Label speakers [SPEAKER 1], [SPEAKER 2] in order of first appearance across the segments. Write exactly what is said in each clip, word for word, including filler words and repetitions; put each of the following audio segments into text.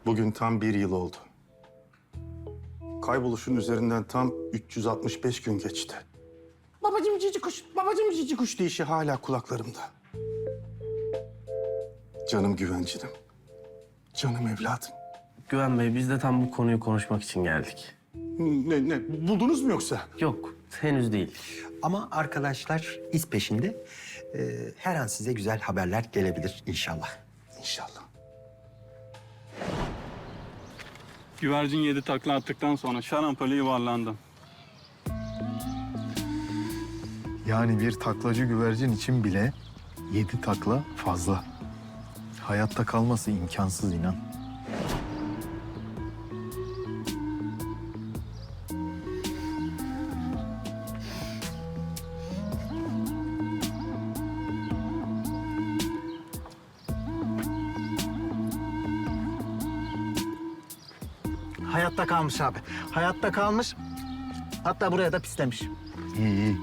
[SPEAKER 1] Bugün tam bir yıl oldu. Kayboluşun üzerinden tam üç yüz altmış beş gün geçti. Babacım cici kuş, babacım cici kuş deyişi hala kulaklarımda. Canım güvencinim. Canım evladım.
[SPEAKER 2] Güven Bey, biz de tam bu konuyu konuşmak için geldik.
[SPEAKER 1] Ne, ne, buldunuz mu yoksa?
[SPEAKER 2] Yok, henüz değil.
[SPEAKER 3] Ama arkadaşlar iz peşinde. Ee, her an size güzel haberler gelebilir inşallah.
[SPEAKER 1] İnşallah.
[SPEAKER 4] Güvercin yedi takla attıktan sonra şarampole yuvarlandım.
[SPEAKER 5] Yani bir taklacı güvercin için bile yedi takla fazla. Hayatta kalması imkansız inan.
[SPEAKER 6] Hayatta kalmış abi. Hayatta kalmış. Hatta buraya da pislemiş.
[SPEAKER 5] İyi iyi.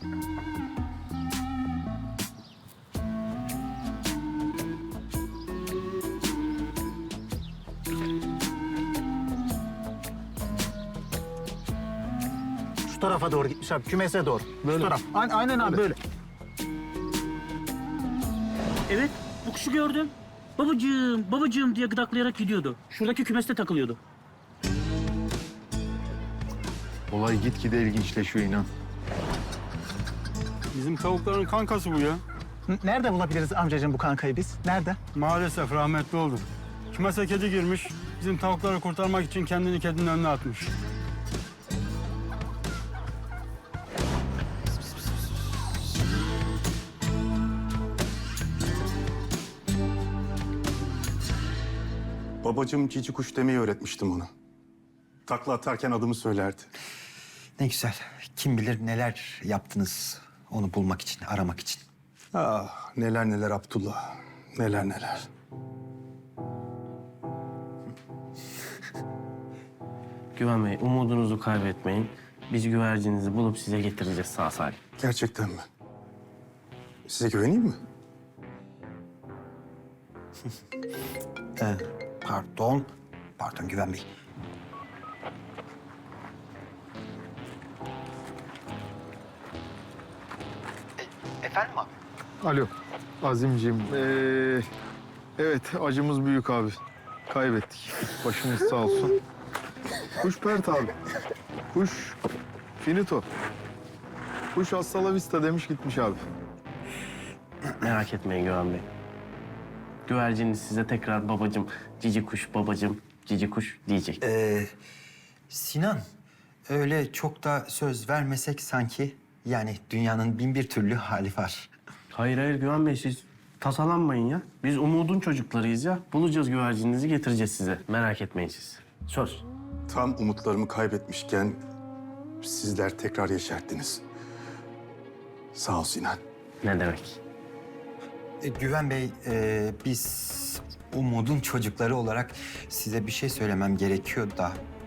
[SPEAKER 6] Şu tarafa doğru gitmiş abi. Kümese doğru. Böyle. Şu taraf. A- aynen abi böyle.
[SPEAKER 7] Evet, bu kuşu gördüm. Babacığım, babacığım diye gıdaklayarak gidiyordu. Şuradaki kümeste takılıyordu.
[SPEAKER 5] Olay gitgide ilginçleşiyor inan.
[SPEAKER 4] Bizim tavukların kankası bu ya.
[SPEAKER 6] N- Nerede bulabiliriz amcacığım bu kankayı biz? Nerede?
[SPEAKER 4] Maalesef rahmetli oldu. Kümese kedi girmiş. Bizim tavukları kurtarmak için kendini kedinin önüne atmış.
[SPEAKER 1] Babacım cici kuş demeyi öğretmiştim ona. Takla atarken adımı söylerdi.
[SPEAKER 3] Ne güzel. Kim bilir neler yaptınız onu bulmak için, aramak için.
[SPEAKER 1] Ah neler neler Abdullah. Neler neler.
[SPEAKER 2] Güven Bey, umudunuzu kaybetmeyin. Biz güvercinizi bulup size getireceğiz sağ salim.
[SPEAKER 1] Gerçekten mi? Size güveneyim mi?
[SPEAKER 3] Ee, pardon. Pardon Güven Bey. E, efendim abi?
[SPEAKER 5] Alo Azimciğim. Ee, evet acımız büyük abi. Kaybettik. Başımız sağ olsun. Kuş pert abi. Kuş finito. Kuş hasta la vista demiş gitmiş abi.
[SPEAKER 2] Merak etmeyin Güven Bey. Güverciniz size tekrar babacım, cici kuş, babacım, cici kuş diyecek.
[SPEAKER 3] Ee, Sinan, öyle çok da söz vermesek sanki. Yani dünyanın bin bir türlü hali var.
[SPEAKER 2] Hayır hayır Güven Bey, siz tasalanmayın ya. Biz umudun çocuklarıyız ya. Bulacağız güvercininizi, getireceğiz size. Merak etmeyin siz. Söz.
[SPEAKER 1] Tam umutlarımı kaybetmişken sizler tekrar yeşerttiniz. Sağ ol Sinan.
[SPEAKER 2] Ne demek?
[SPEAKER 3] Ee, Güven Bey, e, biz umudun çocukları olarak size bir şey söylemem gerekiyor da